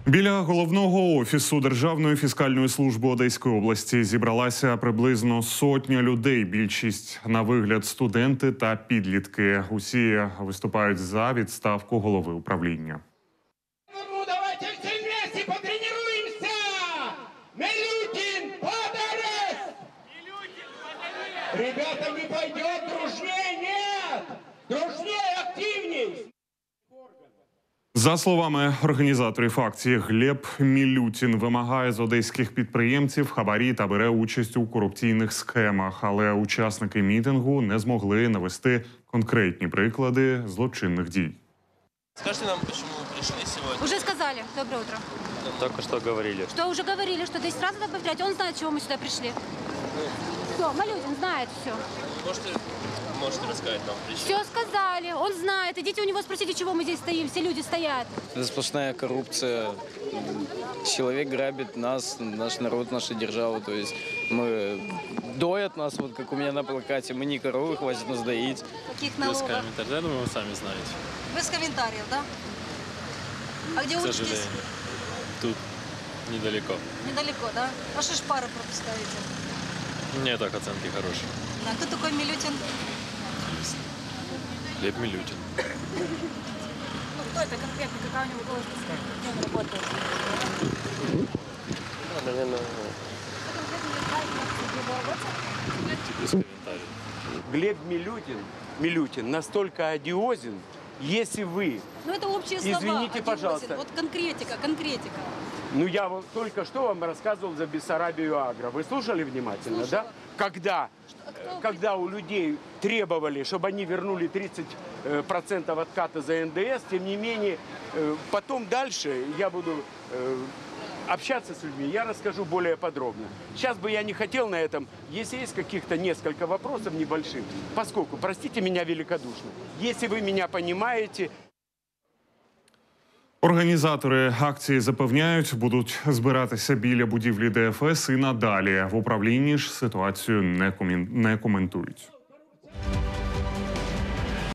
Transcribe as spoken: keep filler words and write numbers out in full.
Біля головного офісу Державної фіскальної служби Одеської області зібралася приблизно сотня людей. Більшість на вигляд студенти та підлітки. Усі виступають за відставку голови управління. Ну, давайте всі вместе потренуємося! Милютин, под арест! Ребята, не пойдет дружнее, нет! Дружнее, активней! За словами організаторів акції, Глеб Мілютін вимагає з одеських підприємців хабарі та бере участь у корупційних схемах. Але учасники мітингу не змогли навести конкретні приклади злочинних дій. Скажите нам, почему вы пришли сегодня? Уже сказали. Доброе утро. Только что говорили. Что уже говорили, что десять раз надо повторять. Он знает, чего мы сюда пришли. Все, Малютин знает все. Можете, можете рассказать нам причину? Все сказали, он знает. Идите у него спросите, чего мы здесь стоим. Все люди стоят. Это сплошная коррупция. Человек грабит нас, наш народ, нашу державу. То есть мы доят нас, вот как у меня на плакате. Мы не коровы, хватит нас доить. Каких Без налогов? комментариев. Я думаю, вы сами знаете. Без комментариев, да? А где К учитесь? сожалению. Тут недалеко. Недалеко, да? А что ж пары пропускаете? Мне так оценки хорошие. Да, кто такой Милютин? Глеб Милютин. Ну, кто это конкретно? Какая у него должность? Где он работает? Наверное, Кто конкретно не знает, в его работе? Без комментариев. Глеб Милютин, Милютин настолько одиозен, если вы, Ну, это общие слова. Извините, Одиозин. пожалуйста. Вот конкретика, конкретика. ну я вот только что вам рассказывал за Бессарабию Агро, вы слушали внимательно, Слушала. да? Когда, а кто- когда у людей требовали, чтобы они вернули тридцать процентов отката за эн дэ эс, тем не менее, э, потом дальше я буду э, общаться с людьми, я расскажу более подробно. Сейчас бы я не хотел на этом, если есть каких-то несколько вопросов небольших, поскольку, простите меня великодушно, если вы меня понимаете... Організатори акції запевняють, будуть збиратися біля будівлі де еф ес і надалі. В управлінні ж ситуацію не коментують.